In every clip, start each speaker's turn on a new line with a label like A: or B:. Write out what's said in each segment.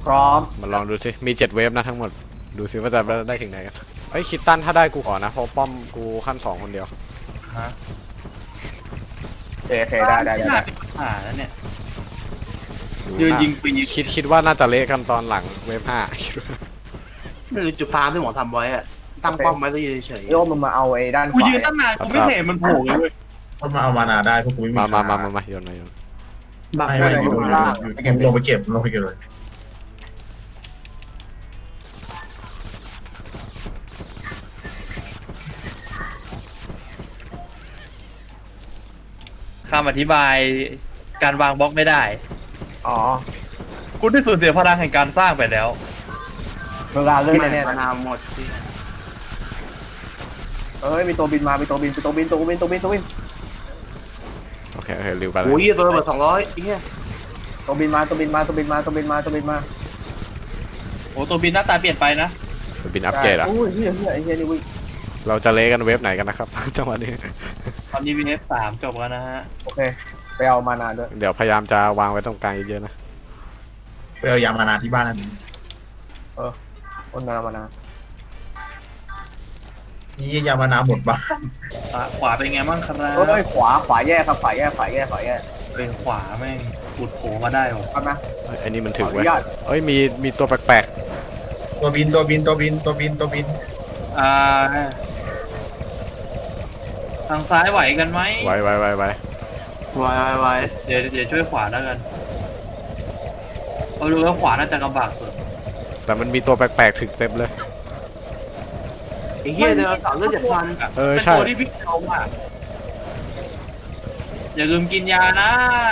A: ร้อม
B: มาลองดูสิมี7เวฟนะทั้งหมดดูสิว่าจะได้ถึงไหนกันเฮ้ยคิดตันถ้าได้กูขอนะเพราะป้อมกูขั้น2คนเดียว
C: ฮะ
A: เซได้
C: แล้วเนี่ยยืนยิงปี
B: คิดว่าน่าจะเละกันตอนหลังเวฟ5
D: ไม่รู้จุดฟาร์มที่หมอทำไว้อะตั้งป้อมไว้ก็ยืนเฉย
A: โยมมันมาเอาไอ้ด้านข
C: กู
A: วา
C: ยืนตั้งนานกูไม่เห็นมันโผล่เลยเว้ย
E: ก็มาเอามานาได้พวกกูไม่มี
B: มาโยนมาโยน
D: บัก
E: ไม่
D: ได้
E: ไม่
D: อยู่ข้างล่าง
E: ลงไปเก็บเลย
C: คำอธิบายการวางบล็อกไม่ได้
A: อ๋อ
C: คุณได้สูญเสียพลังแห่งการสร้างไปแล้ว
A: เวลาเลื่อน
D: ไม่
A: แน่
D: มานาวหมดสิ
A: เอ้ยมีตัวบินมามีตัวบินตัวบิน
B: โอเคริวไปแล้ว
D: โอ้ยตัวระเบิด200ไอ้เหี้ย
A: ตัวบินมา
C: โอ้ตัวบินหน้าตาเปลี่ยนไปนะ
B: บินอัปเกรดอ่ะ
A: โอ้ยเฮียไอ้เฮียนี่วิ่ง
B: เราจะเละกันเวฟไหนกันนะครับ จังหวะนี้
C: ตอนนี้วีเอฟ3จบแล้วนะฮะ
A: โอเคไปเอามานาด้วย
B: เดี๋ยวพยายามจะวางไว้ตรงกลางเยอะๆนะ
E: ไปเอายามานาที่บ้านนั่น
A: คนมานา
E: นี่ยามานาหมดบ้าน
C: ขวาเป็นไงบ้างครับ
A: เอ้ยขวาแย่ครับขวาแย่
C: เป็นขวาแม่งขุดโผล่มาได้หรอ
A: ครับนะ
B: ไอ้นี่มันถึง
A: ขออ
B: ไว้
A: นุญาต
B: เอ้ยมีตัวแปลก
E: ตัวบิน
C: ทางซ้ายไหวกันไหม
B: ๆไว้
D: ไว
C: เดี๋ยวช่วยขวาแล้วกันเอาดูแล้วขวาน่าจะลำบากสุด
B: แต่มันมีตัวแปลกๆถึงเต็มเลย
D: ไอ้เหี้ยเดือดสาวเลือด7,000
C: เป็น
B: ใช่
C: ตัวที่พี่เขาอ่ะอย่าลืมกินยานะ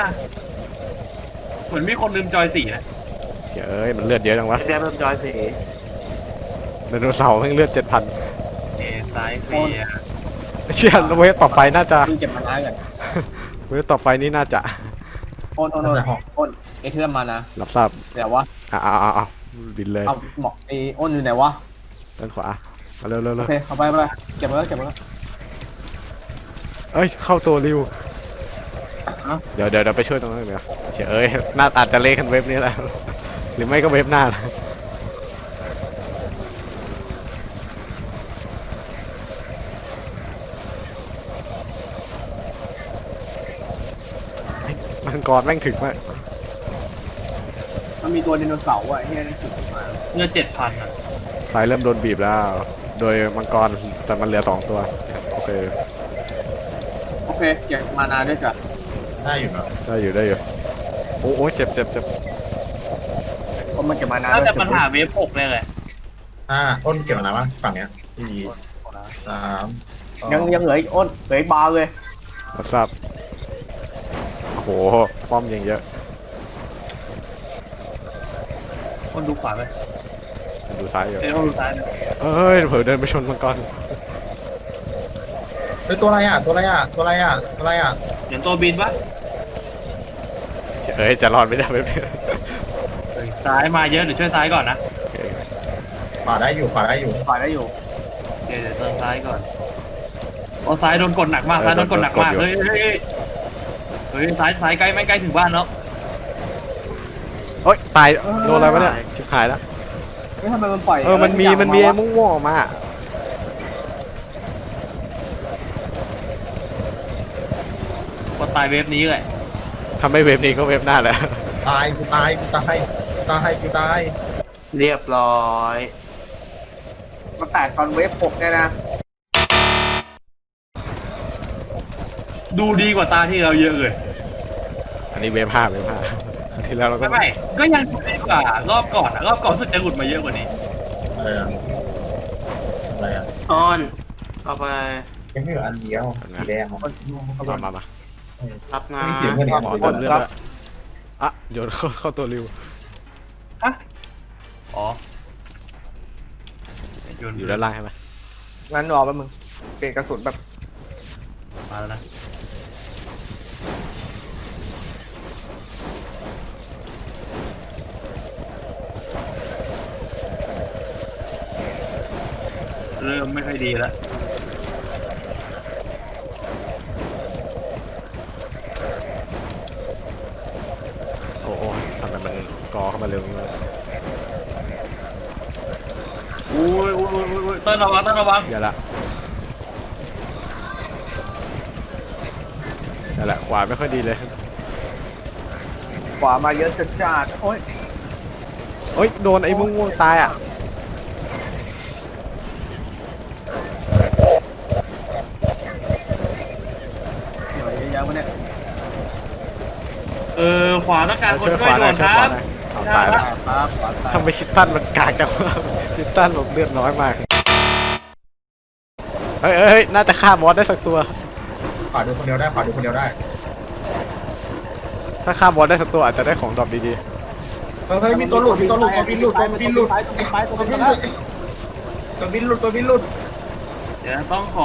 C: เหมือนมีคนลืมจอยสีนะ
B: เอ้ยมันเลือดเยอะจังวะ
D: ไอ้แซ่บเพิ่มจอยสี
B: ไดโนเสาร์แม่งเลือด 7,000
C: ซ้ายเฟีย
B: เชี่ยเวฟต่อไปน่าจะ
A: วิ่งเก็บมานากัน
B: เวฟต่อไปนี่น่าจะ
A: โอนไอ้เทื่อมมานะ
B: รับทราบ
A: เดี๋ยววะ
B: เอาบินเลย
A: เอาหมอกไอ้โอนอยู่ไหนวะ
B: ด้านขวามาเร็ว
A: โอเคเอาไปเก็บมาแล้ว
B: เอ้ยเข้าตัวริวเดี๋ยวไปช่วยตรงนั้นเดี๋ยวเอ้ยน่าอาจจะเละกันเวฟนี้แหละหรือไม่ก็เวฟหน้ามังกรแม่งถึงมาก
A: มันมีตัวไดโนเสาร์อ่ะเฮียนี่ถึงมา
C: เลือด7,000อ่ะ
B: สายเริ่มโดนบีบแล้ว โดยมังกรแต่มันเหลือ2ตัวโอเค
A: เก็บมานาด้วยกัน
E: ได้อยู่เนาะ
B: ได้อยู่โอ้เจ็บ
A: เพราะมันเก็บมานา
C: น่าจะปัญหาเวฟ6เลยแหละ
E: อ้นเก็บมานาบ้างฝั่งเนี้ย4 3
A: ยังเหลืออีกอ้นเหลืออีกบาร์เลย
B: รับทราบโอ้โหป้อมยังเยอะ
C: คนดูขวาไป
B: ดูซ้ายอยู่
C: คนดูซ้ายนะ
B: เอ้ยเผลอเดินไปชนมังกร
E: เฮ้ยตัวอะไรอ่ะ
C: เห็นตัวบินปะ
B: เอ้ยจะรอดไม่ได้เว็บนี้
C: ซ้ายมาเยอะเดี๋ยวช่วยซ้ายก่อนนะ
E: ขวาได้อยู่
A: ฝ่ายได้อยู่
C: เดี๋ยวเติมซ้ายก่อนโอ้ซ้ายโดนกดหนักมากซ้ายโดนกดหนักมากเฮ้ยซ้ายใกล้ไม่ใกล้ถึงบ้านแล้ว
B: เอ้ยตายโดนอะไรวะเนี่ยชิบหายแล้ว
A: ไม่ทำไมมันปล่อย
B: มันมีไอ้ม่วงๆออกมา
C: ก็ตายเวฟนี้เลย
B: ทำให้เว็บนี้ก็เว็บหน้าแล้ว
E: ตายกูตาย
D: เรียบร้อย
A: มันแตกตอนเวฟ6เนี่ยนะ
C: ดูดีกว่าตาที่เราเยอะเลย
B: อันนี้เว็บ5ที่แล้วเราก็
C: ไม่ก็ยังดีกว่ารอบก่อนอะรอบก่อนรู้สึกจะหลุดมาเยอะกว่านี้
E: อะไรอ่ะ
D: ออนเอาไป
E: ยังไม่เหลืออันเดียวสีแดง
B: มา
D: รับงา
E: ไม่
D: น
E: เกี่ยวกันเนี่ย
B: หมอต้นเลือดด้วยอ่ะโยนเข้าตัวริว
C: ฮะอ๋อโยน
B: อยู่ด้านล่างใช่ไหม
A: งั้นรอแป๊บมึงเปลี่ยนกระสุนแบบ
C: มาแล้วนะเริ่มไม่ค่อยดีแล้ว
B: โอ้ทำไมมันกอเข้ามาเร็วนี้เลย
C: อุ้ยเต้นระวัง
B: อย่าละขวาไม่ค่อยดีเลย
A: ขวามาเยอะจัดโอ้ย
B: โอ๊ยโดนไอ้ม่วงๆตายอ่ะ
A: เหนื่อยเยอะๆวะเนี่ย
C: ขวาต้องการคน
B: ช่วย
C: ช่
B: ข
C: วยว
B: าห
C: ด่
B: น่อ
C: วย น
B: ช่วย
C: ค
B: ข
C: รั
B: วา
C: บ
B: หน่อยเอาตายแล้ว
A: ครับขวาตาย
B: ทำไมคิดตันมันกากจังวะคิดตันหลบเลือดน้อยมากเฮ้ยน่าจะฆ่าบอสได้สักตัว
E: ขวาดูคนเดียวได้ขวาดูคนเดียวได้
B: ถ้าฆ่าบอสได้สักตัวอาจจะได้ของดรอปดี
E: เฮ้ยมีตัวหลุดตัวบินหลุด
A: ตัวบินหลุดตัวบินหลุด
E: ตัวบินหลุดตัวบินหลุด
C: เดี๋ยวต้องข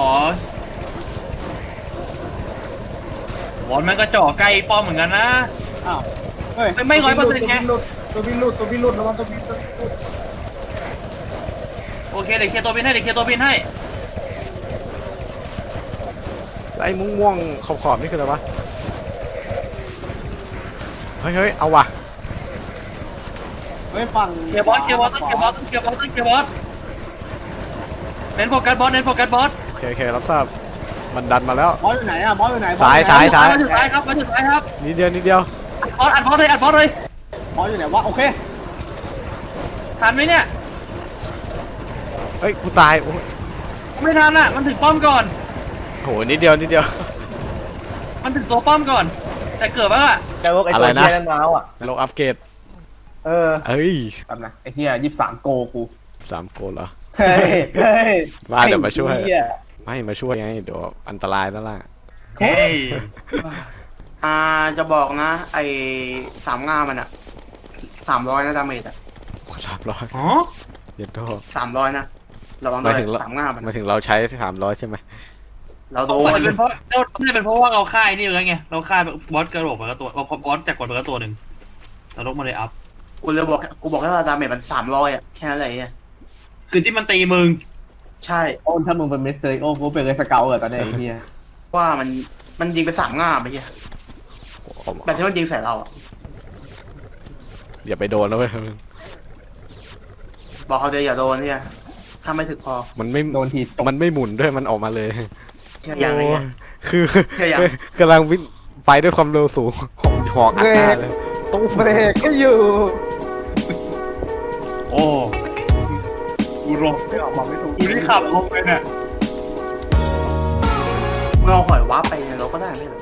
C: อบอลมันก็จ่อใกล้ป้อมเหมือนกันนะ
A: อ้าวเฮ้ย
C: ไม่100%ไง
E: ตัวบินหลุดระวังตัวบินหลุด
C: โอเคเดี๋ยวเคลียร์ตัวบินให้
B: ๆแล้วไอ้ม่วงๆขอบๆนี่คืออะไรวะเฮ้ยเอาว่ะ
A: เฮ้ยฝั่ง
C: เคลียร์บอสต้องเคลียร์บอสเน้นโฟกัสบอส
B: โอเครับทราบมันดันมาแล้ว
A: บอสอยู่ไหนอะบอสอยู่ไหน
B: ซ้าย
C: มาถึงซ้ายครับ
B: นิดเดียว
C: อัดบอสเลย
A: บอสอยู่ไหนวะโอเค
C: ทันไหมเนี่ย
B: เฮ้ยกูตายโอ้ย
C: ไม่ทันอ่ะมันถึงป้อมก่อน
B: โหนิดเดียว
C: มันถึงตัวป้อมก่อน แต่เกิดว่า
A: แต่ว่าไอ้ตัวเฮียนั่นมาแล้วอะ
B: โลอัปเกรด
A: เออ
B: เอ้ย
A: แป๊บนะไอ้เฮีย23 โกกู
B: 3 โกลเหรอ
A: เฮ้ย
B: มาเดี๋ยวมาช่วย
A: ไอ้เหี้
B: ไม่มาช่วยไงเดี๋ยวอันตรายนั่นแหละ
C: เฮ้ย
D: จะบอกนะไอ้สามงามันอะ300นะดาเมจอะ
B: 300
C: อ๋อ
B: เย็นโต
D: 300นะระวังด้วยสามงามัน
B: มาถึงเราใช้300ใช่ไหม
D: เราโด
C: สงสัย
D: น
C: เป็นเพราะน่าจะเป็นเพราะว่าเราค่ายนี่เลยไงเราค่ายบอสกระโดดไปแล้วตัวบอสจากกดไปแล้วตัวหนึ่งเราลกมาเลยอัพ
D: กูบอกแค่ว่าดาเมจมัน300อะแค่นั้นเลย
C: คือที่มันตีมึง
D: ใช่
A: โอ้ถ้ามึงเป็นมิสเตอร์โอ้กูเป็นเลยสเกลเหรอตอนนี้ไอ้เฮีย
D: ว่ามันยิงไป3 งาไปเฮียแบบที่มันยิงใส่เราอะ
B: อย่าไปโดนนะเว้ย
D: บอกเขาเดียวอย่าโดนเฮียถ้าไม่ถึกพอ
B: มันไม่
A: โดนทีตก
B: มันไม่หมุนด้วยมันออกมาเลย
D: อย่างไร
B: โอ้
D: เงี้ย
B: คือ
D: แค่อย่าง
B: กำลังวิ่งไปด้วยความเร็วสูงหอกอัดหน้าเลยตู้
A: เบรกก็อยู่
C: โอ้กูรอ
A: ไม่ออกบอกไม่ถูก
C: กูที่ขับลงไปเนี่ย
D: เราหอยวับไปเนี่ยเราก็ได้ไม่เหรอ